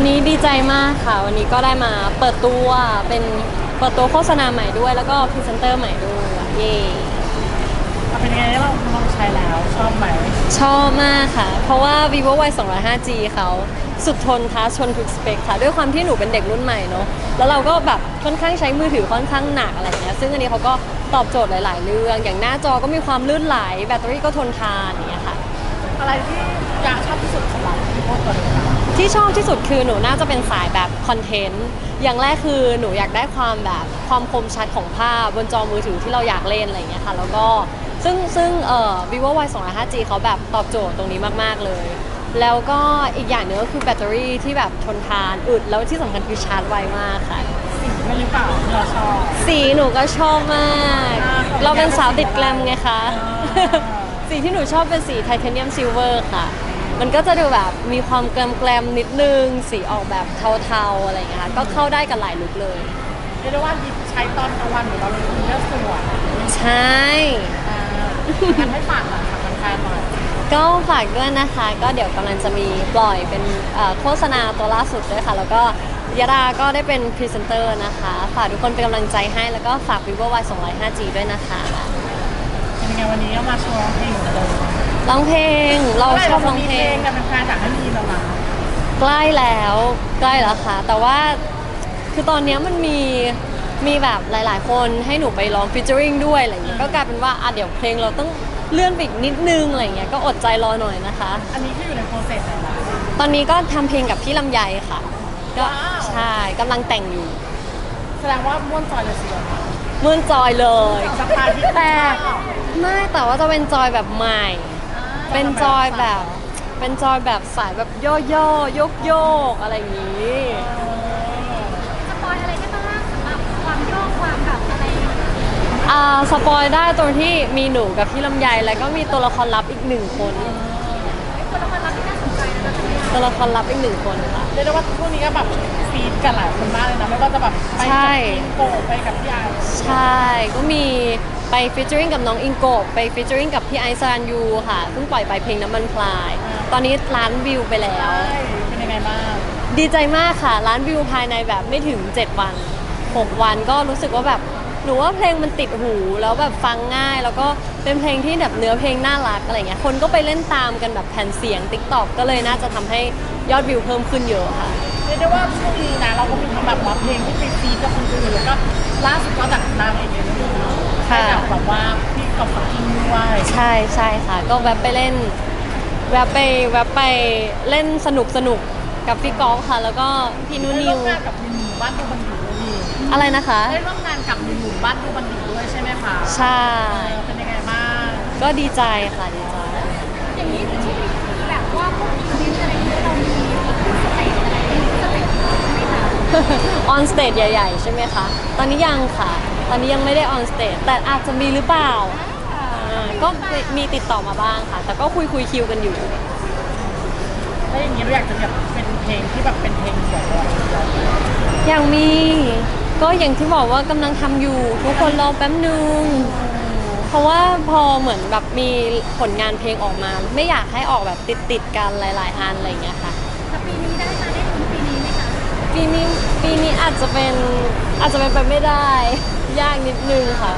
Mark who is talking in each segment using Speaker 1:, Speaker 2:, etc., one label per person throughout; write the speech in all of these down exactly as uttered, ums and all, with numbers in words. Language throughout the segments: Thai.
Speaker 1: นี้ดีใจมากค่ะวันนี้ก็ได้มาเปิดตัวเป็นเปิดตัวโฆษณาใหม่ด้วยแล้วก็พรีเซนเตอร์ใหม่ด้วยเย่
Speaker 2: เป็นยังไงเราลองใช้แล้วชอบไหม
Speaker 1: ชอบมากค่ะเพราะว่า vivoวาย สองร้อยห้าจี เขาสุดทนท้าชนทุกสเปคค่ะด้วยความที่หนูเป็นเด็กรุ่นใหม่เนาะแล้วเราก็แบบค่อนข้างใช้มือถือค่อนข้างหนักอะไรเงี้ยซึ่งอันนี้เขาก็ตอบโจทย์หลาย ๆ เรื่องอย่างหน้าจอก็มีความลื่นไหลแบตเตอรี่ก็ทนทานอย่างเงี้ยค่ะ
Speaker 2: อะไรที่อยากชอบที่สุดของเราที่โพสต์ตัวนี้
Speaker 1: ที่ชอบที่สุดคือหนูน่าจะเป็นสายแบบคอนเทนต์อย่างแรกคือหนูอยากได้ความแบบความคมชัดของภาพบนจอมือถือที่เราอยากเล่นอะไรอย่างเงี้ยค่ะแล้วก็ซึ่งซึ่งเอ่อ vivo วาย สองร้อยห้าจี เขาแบบตอบโจทย์ตรงนี้มากๆเลยแล้วก็อีกอย่างหนึงก็คือแบตเตอรี่ที่แบบทนทานอึดแล้วที่สำคัญคือชาร์จไวมากค่ะ
Speaker 2: สีไม่หรือเปล่าที่เราชอบ
Speaker 1: สีหนูก็ชอบมากเราเป็นสาวติดแกลมไงคะสีที่หนูชอบเป็นสีไทเทเนียมซิลเวอร์ค่ะมันก็จะดูแบบมีความแกลมแกลมนิดนึงสีออกแบบเทาๆอะไรอย่างเงี้ยค่ะก็เข้าได้กับหลายลุคเลย
Speaker 2: เรียกได้ว่าใช้ตอนกลางวันหรือเราลงทุนเลือกสวย
Speaker 1: ใช่
Speaker 2: อยากให้ฝากหน่อยฝากแฟนๆหน่อย
Speaker 1: ก็ฝากด้วยนะคะก็เดี๋ยวกำลังจะมีปล่อยเป็นโฆษณาตัวล่าสุดด้วยค่ะแล้วก็ยาดาก็ได้เป็นพรีเซนเตอร์นะคะฝากทุกคนเป็นกำลังใจให้แล้วก็ฝาก vivo วาย สองร้อยห้าจี ด้วยนะคะ
Speaker 2: เป็นยังไงวันนี้ก็มาโชว์ร้องเพลงเหมือนเดิม
Speaker 1: ร้องเพลงเราชอบร้องเพลง
Speaker 2: แต่เป็นแฟนอยากให้มีแล้วนะ
Speaker 1: ใกล้แล้วใกล้แล้วค่ะแต่ว่าคือตอนนี้มันมีมีแบบหลายๆคนให้หนูไปร้องฟีเจอริงด้วยอะไรอย่างเงี้ยก็กลายเป็นว่าอ่ะเดี๋ยวเพลงเราต้องเลื่อนไปอีกนิดนึงอะไรเงี้ยก็อดใจรอหน่อยนะคะ
Speaker 2: อันนี้ที่อยู่ในโปรเซสไหนล่ะ
Speaker 1: ตอนนี้ก็ทำเพลงกับพี่ลำไยค่ะก็ใช่กำลังแต่งอยู่
Speaker 2: แสดงว่าม่วนจอยเลยสิ
Speaker 1: ม่วนจอยเลย
Speaker 2: แต่
Speaker 1: ไม่แต่ว่าจะเป็นจอยแบบใหม่เป็นจอยแบบเป็นจอยแบบสายแบบโยโย่โยกโยกอะไรอย่างนี้
Speaker 3: สปอยอะไรได้บ้างสำหรับความโยกความแบบอะไร
Speaker 1: อ่าสปอยได้ตรงที่มีหนูกับพี่ลำไยแล้วก็มีตัวละครลับอีกหนึ่งคน
Speaker 3: ตัวละครลับที่น่าสนใจนะ
Speaker 1: ตัวละครลับอีกหนึ่งคนค่ะ
Speaker 2: เรียกได้ว่าช่วงนี้ก็แบบฟีดกันหลายคนมากเลยนะไม่ว่าจะแบบไปกับโกไปกับพี่ไอ
Speaker 1: ใช่ก็มีไปฟีเจอริงกับน้องอิงโกไปฟีเจอริงกับพี่ไอซ์ซานยูค่ะเพิ่งปล่อยไปเพลงน้ำมันพลายตอนนี้ล้านวิวไปแล้ว
Speaker 2: เป็นยังไงบ้าง
Speaker 1: ดีใจมากค่ะล้านวิวภายในแบบไม่ถึงเจ็ดวันหกวันก็รู้สึกว่าแบบหนูว่าเพลงมันติดหูแล้วแบบฟังง่ายแล้วก็เป็นเพลงที่แบบเนื้อเพลงน่ารักอะไรเงี้ยคนก็ไปเล่นตามกันแบบแผ่นเสียง ติ๊กต็อก ก็เลยน่าจะทำให้ยอดวิวเพิ่มขึ้นเยอะค่ะ
Speaker 2: เรียกได้ว่าช่วงนี้นะเราก็มีทำแบบว่าเพลงที่ไปฟีดกับคนอื่นแล้วก็ล่าสุดก็จากนางเอกเอ็มวีค่ะแบบว่าพี่กับฟังกิ้งด้วย
Speaker 1: ใช่ใช่ค่ะก็แวบไปเล่นแวบไปแวบไปเล่นสนุกสนุกกับพี่ก๊อฟค่ะแล้วก็พี่นุนิว
Speaker 2: กับพี่หนุ่มบ้านดูบันดี
Speaker 1: อะไรนะคะ
Speaker 2: ได้ร่วมงานกับหนุ่มบ้านดูบันดีด้วยใช่ไหมคะ
Speaker 1: ใช่
Speaker 2: เป็นยังไงบ้าง
Speaker 1: ก็ดีใจค่ะดีใจ
Speaker 3: อย่างนี้ที่แบบว่าพวกอีเวนต์อะไรที่เรามีสเตจอะไรสเตจไหมคะ
Speaker 1: ออนสเตจใหญ่ๆใช่ไหมคะตอนนี้ยังค่ะตอนนี้ยังไม่ได้ออนสเตจแต่อาจจะมีหรือเปล่าก็มีติดต่อมาบ้างค่ะแต่ก็คุยคุยคิวกันอยู่
Speaker 2: ถ้าอย่างนี้เราอยากจะแบบเป็นเพลงที่แบบเป็นเพลงเดี่ยว
Speaker 1: อย่างมีก็อย่างที่บอกว่ากำลังทำอยู่ทุกคนรอแป๊บนึงเพราะว่าพอเหมือนแบบมีผลงานเพลงออกมาไม่อยากให้ออกแบบติดติดกันหลายๆอันอะไรอย่างเงี้ยค่ะ
Speaker 3: แต่ปีนี้ได้มาได้ถึงปีนี้ไหมคะ
Speaker 1: ปีนี้ปีนี้อาจจะเป็นอาจจะเป็นไปไม่ได้ยากนิดนึงค่ะ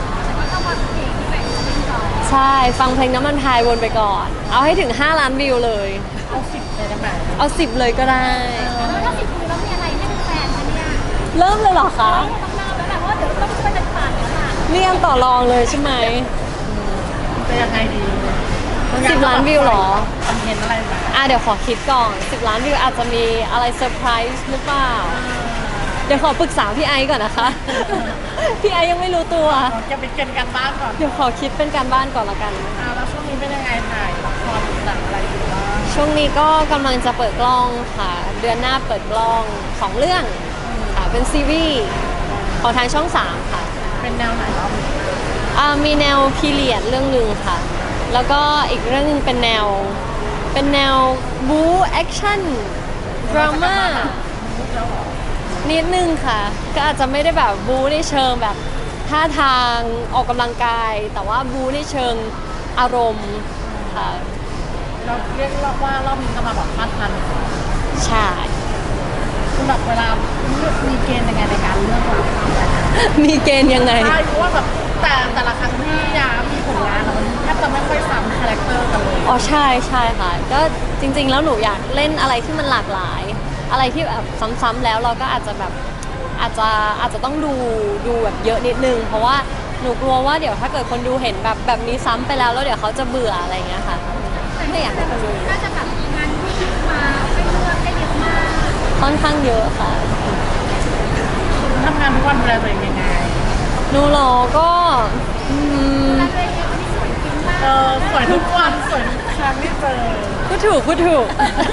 Speaker 1: ใช่ฟังเพลงน้ำมันพายวนไปก่อนเอาให้ถึงห้าล้านวิวเลย
Speaker 2: เอาสิบเลยได้ไหม
Speaker 1: เอาสิบเลยก็ได้
Speaker 3: แล้วถ้าสิบวิวแล้วมีอะไรให้แฟนคะเนี่ย
Speaker 1: เริ่มเลยเหรอคะ
Speaker 3: ต้องเริ่มแล้วแหละเพราะเดี๋ยวต้องช่วยกันปั่นแล้วล่ะ
Speaker 1: นี่ยังต่อรองเลยใช่ไหม
Speaker 2: จะยังไงดี
Speaker 1: สิบล้านวิวหรอ
Speaker 2: คอนเทนต์อะไรแบบ
Speaker 1: อ่ะเดี๋ยวขอคิดก่อนสิบล้านวิวอาจจะมีอะไรเซอร์ไพรส์หรือเปล่าเดี๋ยวขอปรึกษาพี่ไอก่อนนะคะพี่ไอยังไม่รู้ตัว
Speaker 2: จะเป็นกันการบ้านก่อน
Speaker 1: เดี๋ยวขอคิดเป็นการบ้านก่อนละกัน
Speaker 2: อ่าแล้วช่วงนี้เป็นยังไงถ่ายละครหนังอะไรอยู่บ้าง
Speaker 1: ช่วงนี้ก็กำลังจะเปิดกล้องค่ะเดือนหน้าเปิดกล้องสองเรื่องค่ะเป็นซีรีส์ของทางช่องสามค่ะ
Speaker 2: เป็นแนวไหนบ้าง
Speaker 1: อ่ามีแนวพีเรียดเรื่องหนึ่งค่ะแล้วก็อีกเรื่องนึงเป็นแนวเป็นแนวบู๊แอคชั่นดราม่านิดนึงค่ะก็อาจจะไม่ได้แบบบู๊ในเชิงแบบท่าทางออกกำลังกายแต่ว่าบู๊ในเชิงอารมณ์ค่ะ
Speaker 2: เราเรียกว่ารอบนี้ก็มาแบบพาดทัน
Speaker 1: ใช่
Speaker 2: คือแบบเวลาเลือกมีเกณฑ์ยังไงในการเลือกรับ
Speaker 1: มีเกณฑ์ยังไง
Speaker 2: ใช่เพราะว่าแบบแต่แต่ละครั้งที่ยามีผลงานอะมันแทบจะไม่ค่อยซ้ำคาแรคเตอร์กันเลย
Speaker 1: อ๋อใช่ใช่ค่ะ ก็จริงๆแล้วหนูอยากเล่นอะไรที่มันหลากหลาย อะไรที่แบบซ้ำๆแล้วเราก็อาจจะแบบอาจจะอาจจะต้องดูดูแบบเยอะนิดนึง เพราะว่าหนูกลัวว่าเดี๋ยวถ้าเกิดคนดูเห็นแบบแบบนี้ซ้ำไปแล้วแล้วเดี๋ยวเขาจะเบื่ออะไรอย่างเงี้ยค่ะไม่อยากให้คนดู
Speaker 3: น่าจะแบบมีงานที่มาให้เลือกได้เยอะมาก
Speaker 1: ค่อนข้างเยอะค่ะ
Speaker 2: ทำงานทุกวันดูแลตัวเองยังไง
Speaker 1: หนูเหรอก็อืม
Speaker 3: แล้วตัวเองเป็นคนที่สวยจริงมาก
Speaker 2: เออสวยทุกวันสวยทุกครั้งที่เจอ
Speaker 1: พูดถูกพูดถูก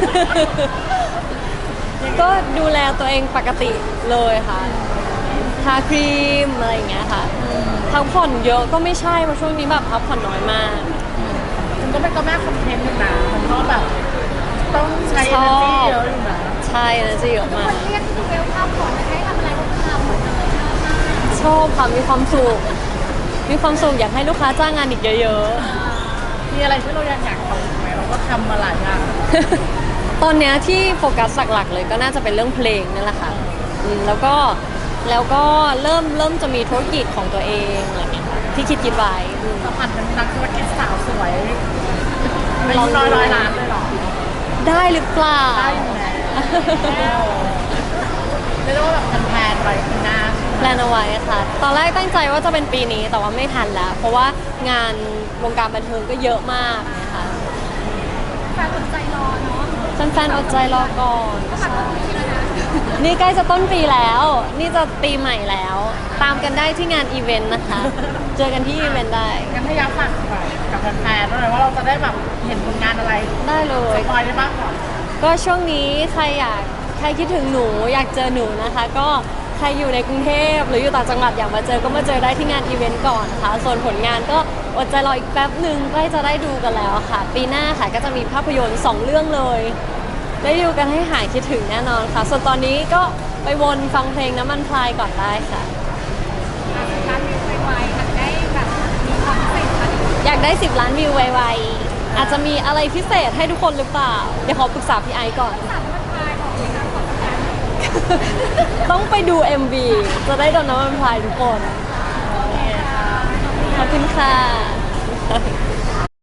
Speaker 1: ก็ดูแลตัวเองปกติเลยค่ะ ทาครีมอะไรอย่างเงี้ยค่ะพักผ่อนเยอะก็ไม่ใช่เพราะช่วงนี้แบบพักผ่อนน้อยมาก
Speaker 2: มันก็เป็นก็แม่คอนเทนต์อยู่นะมันก็แบบต้องใช้
Speaker 1: ชอบ
Speaker 2: energy เยอะอยู่นะ
Speaker 1: ใช่นะจะเยอะ
Speaker 3: ทุก
Speaker 1: มา
Speaker 3: ค
Speaker 1: ก
Speaker 3: นเรียกที่เวลข้าวของให้ทำอะไรก็ทำหมดเลยชอบมาก
Speaker 1: ชอบค่ะมีความสุข มีความสุขอยากให้ลูกค้าจ้างงานอีกเยอะ
Speaker 2: มีอะไรที่เราอยากอยากทำอีกไหมเราก็ทำมาหลายอย่าง
Speaker 1: ๆ ตอนเนี้ยที่โฟกัสหลักๆเลยก็น่าจะเป็นเรื่องเพลงนั่นแหละค่ะอืมแล้วก็แล้วก็เริ่มเริ่มจะมีธุรกิจของตัวเองอะไรเงี้ยค่ะที่คิดคิดไว้อืม
Speaker 2: สัมผัสเป็นนักธุรกิจสาวสวยอายุน้อยร้อยล้านเลยเหรอ
Speaker 1: ได้หรือเปล่า
Speaker 2: ได้อยู่แล้วเรียกได้ว่าแบบแพลนๆไปปีหน้า
Speaker 1: แพลนเอาไว้ค่ะ ตอนแรกตั้งใจว่าจะเป็นปีนี้แต่ว่าไม่ทันแล้ว เพราะว่างานวงการบันเทิงก็เยอะมากนะคะ
Speaker 3: แฟนสนใจรอเนาะ
Speaker 1: แฟนๆอดใจรอก่อน
Speaker 3: ก็แบบนี้แล้วนะ
Speaker 1: นี่ใกล้จะต้นปีแล้ว นี่จะปีใหม่แล้ว ตามกันได้ที่งานอีเวนต์นะคะ เจอกันที่อีเวนต์ได้
Speaker 2: งั้นให้ยักษ์ฝากหน่อยกับแฟนๆด้วยว่าเราจะได้แบบเห็นผลงานอะไร
Speaker 1: ได้เล
Speaker 2: ส
Speaker 1: ย
Speaker 2: ปอยได้บ้างก่อน
Speaker 1: ก็ช่วงนี้ใครอยากใครคิดถึงหนูอยากเจอหนูนะคะ ก็ใครอยู่ในกรุงเทพหรืออยู่ต่างจังหวัดอยากมาเจอก็มาเจอได้ที่งานอีเวนต์ก่อนค่ะ ส่วนผลงานก็อดใจรออีกแป๊บหนึ่งใกล้จะได้ดูกันแล้วค่ะ ปีหน้าค่ะก็จะมีภาพยนตร์สองเรื่องเลย ได้ดูกันให้หายคิดถึงแน่นอนค่ะ ส่วนตอนนี้ก็ไปวนฟังเพลงน้ำมันพลายก่อนได้ค่ะ
Speaker 3: ร้านวิวไวๆอาจจะได้แบบมีความพิเศษอะไรอย่างเงี้ย
Speaker 1: อยากได้สิบล้านวิวไวๆอาจจะมีอะไรพิเศษให้ทุกคนหรือเปล่า เดี๋ยวขอปรึกษาพี่ไอซ์ก่อน
Speaker 3: สามวันพายบอกเลยนะขอประกัน
Speaker 1: ต้องไปดู เอ็ม วี จะได้โดนน้ำมันพลายทุกคน ขอบคุณค่ะ